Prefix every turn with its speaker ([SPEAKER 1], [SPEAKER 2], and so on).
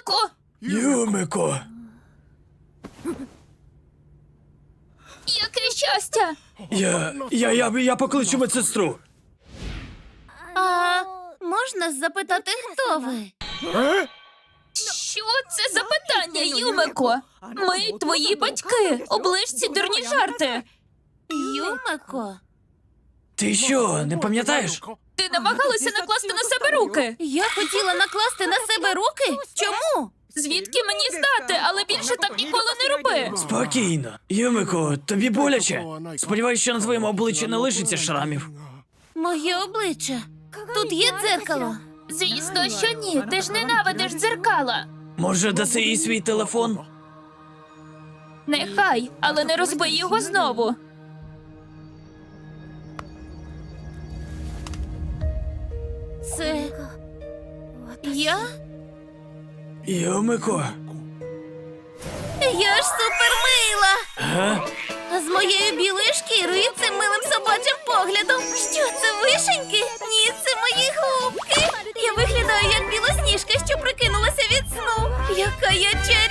[SPEAKER 1] Юмико!
[SPEAKER 2] Юмико!
[SPEAKER 1] Яке щастя!
[SPEAKER 2] Я покличу медсестру.
[SPEAKER 3] А можна запитати, хто ви?
[SPEAKER 1] Що це за питання, Юмико? Ми твої батьки. Оближ ці дурні жарти.
[SPEAKER 3] Юмико?
[SPEAKER 2] Ти що, не пам'ятаєш?
[SPEAKER 1] Ти намагалася накласти на себе руки.
[SPEAKER 3] Я хотіла накласти на себе руки? Чому?
[SPEAKER 1] Звідки мені знати, але більше так ніколи не роби.
[SPEAKER 2] Спокійно. Юмико, тобі боляче? Сподіваюсь, що на твоєму обличчі не лишиться шрамів.
[SPEAKER 3] Моє обличчя. Тут є дзеркало.
[SPEAKER 1] Звісно, що ні. Ти ж ненавидиш дзеркала.
[SPEAKER 2] Може, даси їй свій телефон?
[SPEAKER 1] Нехай, але не розбий його знову.
[SPEAKER 3] Це... я?
[SPEAKER 2] Юмико.
[SPEAKER 3] Я ж супермила!
[SPEAKER 2] Га?
[SPEAKER 3] А з моєю білою шкірою і цим милим собачим поглядом. Що це, вишеньки? Ні, це мої губки. Я виглядаю як білосніжка, що прикинулася від сну. Яка я